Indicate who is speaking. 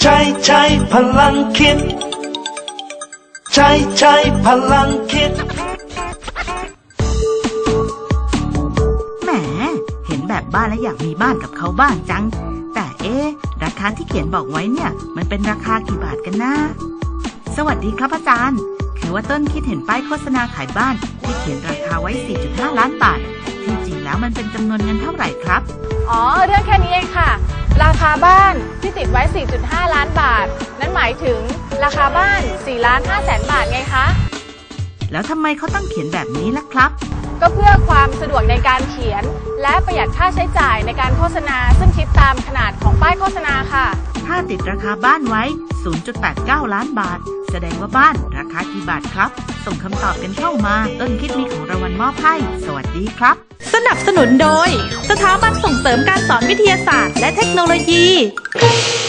Speaker 1: ใช้พลังคิดใช้พลังคิด
Speaker 2: แหมเห็นแบบบ้านแล้วอยากมีบ้านกับเขาบ้างจังแต่ราคาที่เขียนบอกไว้เนี่ยมันเป็นราคากี่บาทกันนะสวัสดีครับอาจารย์คือว่าต้นคิดเห็นป้ายโฆษณาขายบ้านที่เขียนราคาไว้ 4.5 ล้านบาทที่จริงแล้วมันเป็นจำนวนเงินเท่าไหร่ครับ
Speaker 3: อ๋อเรื่องแค่นี้เองค่ะราคาบ้านที่ติดไว้ 4.5 ล้านบาทนั้นหมายถึงราคาบ้าน 4,500,000 บาทไงคะ
Speaker 2: แล้วทำไมเขาต้องเขียนแบบนี้ล่ะครับ
Speaker 3: ก็เพื่อความสะดวกในการเขียนและประหยัดค่าใช้จ่ายในการโฆษณาซึ่งคิดตามขนาดของป้ายโฆษณาค่ะ
Speaker 2: ถ้าติดราคาบ้านไว้ 0.89 ล้านบาทแสดงว่าบ้านราคากี่บาทครับส่งคำตอบกันเข้ามาต้นคิดมีของรางวัลมอบให้สวัสดีครับ
Speaker 4: สนับสนุนโดยสถาบันส่งเสริมการสอนวิทยาศาสตร์และเทคโนโลยี